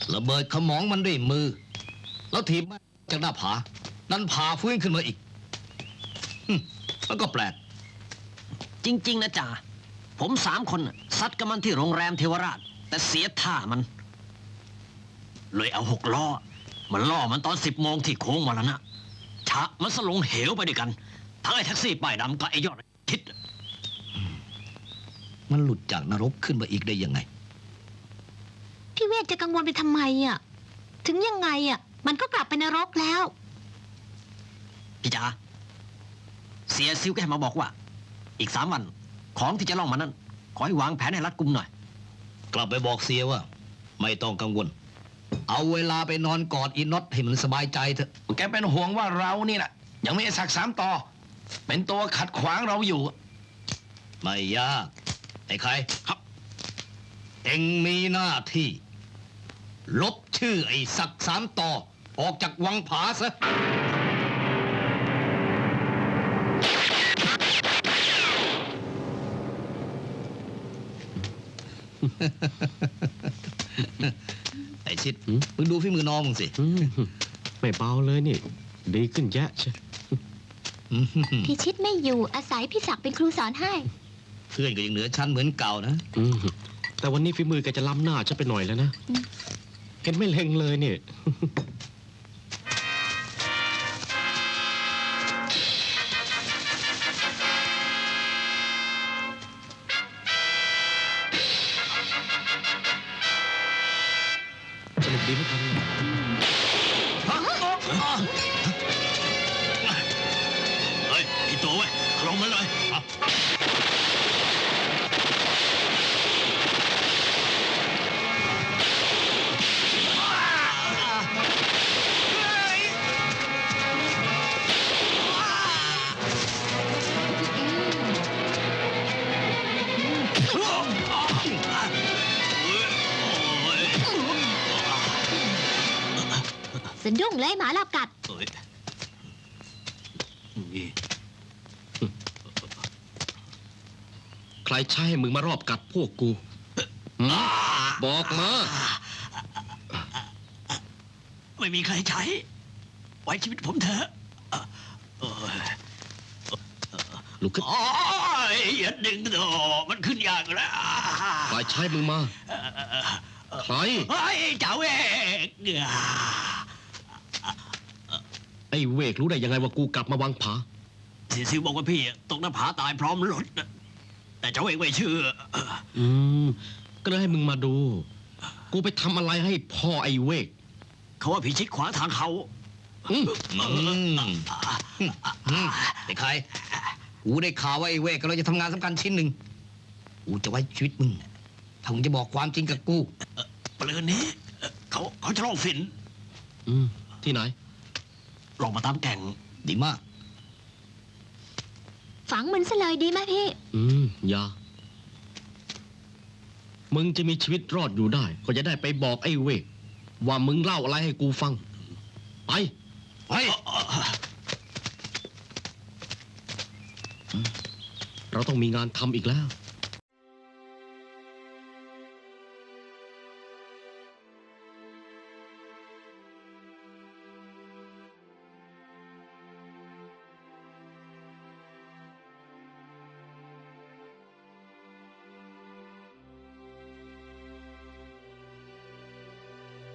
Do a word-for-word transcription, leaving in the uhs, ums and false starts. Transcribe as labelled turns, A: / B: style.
A: ระเบิดขมองมันด้วยมือแล้วถีบมันจากหน้าผานั้นผาฟื้นขึ้นมาอีกมันก็แปลก
B: จริงๆนะจ่าผมสามคนซัดกับมันที่โรงแรมเทวราชแต่เสียท่ามันเลยเอาหกล้อมันล่อมันตอนสิบโมงที่โค้งมาแล้วนะชะมันสลงเหวไปด้วยกันทั้งไอ้แท็กซี่ป้ายดำกับไอ้ยอดทิศ
A: มันหลุดจากนรกขึ้นมาอีกได้ยังไง
C: พี่เวทจะกังวลไปทำไมอ่ะถึงยังไงอ่ะมันก็กลับไปนรกแล้ว
B: พี่จ๋าเสียซิวแกมาบอกว่าอีกสามวันของที่จะล่องมานั้นขอให้วางแผนให้รัดกุมหน่อย
A: กลับไปบอกเสียว่าไม่ต้องกังวลเอาเวลาไปนอนกอดอีน็อตให้มันสบายใจเถอะ
D: แกเป็นห่วงว่าเรานี่แหละยังไม่สักสามต่อเป็นตัวขัดขวางเราอยู่
A: ไม่ยากไอ้ใครครับเอ็งมีหน้าที่ลบชื่อไอ้สักสามต่อออกจากวังผาซะไอ้ชิดมึงดูฝีมือน้องมึงสิ
E: ไม่เบาเลยนี่ดีขึ้นแยะใช่
C: พี่ชิดไม่อยู่อาศัยพี่ศักดิ์เป็นครูสอนให้
A: เพื่อนก็ยังเหนือชั้นเหมือนเก่านะ
E: แต่วันนี้ฝีมือแกจะล้ำหน้าฉันไปหน่อยแล้วนะเห็นไม่เล็งเลยเนี่ยสนุกดีไหมครับ
B: เฮ้ยอีตัวเว้ยลงมาเลย
C: สะดุ้งเลยหมาเรากัด
E: ใครใช้ให้มึงมารอบกัดพวกกูบอกมา
B: ไม่มีใครใช้ไว้ชีวิตผมเถอะ
E: ลุกขึ้น
B: โอ้ยอย่าดึงโดมันขึ้นยากแล้ว
E: ใครใช้มึงมาใคร
B: ไอ้เจ้าเอก
E: ไอ้เวกรู้ได้ยังไงว่ากูกลับมาวังผา
B: เสียซิวบอกว่าพี่ตกหน้าผาตายพร้อมรถแต่เจ้าเอกไม่เชื่อ
E: อืมก็เลยให้มึงมาดูกูไปทำอะไรให้พ่อไอ้เวก
B: เขาว่าผีชิดขวางทางเขา
A: ไอ้ใครกูได้ข่าวว่าไอ้เวกกำลังจะทำงานสำคัญชิ้นหนึ่งกูจะไว้ชีวิตมึงถ้ามึงจะบอกความจริงกับกู
B: ปลืนนี้เขาเขาจะลองฝิ่น
E: อืมที่ไหน
B: ลองมาตามแก่ง
A: ดีมาก
C: ฝังมันซะเลยดีไหมพี่
E: อืมอย่ามึงจะมีชีวิตรอดอยู่ได้ก็จะได้ไปบอกไอ้เวกว่ามึงเล่าอะไรให้กูฟังไป
A: ไป
E: เราต้องมีงานทำอีกแล้ว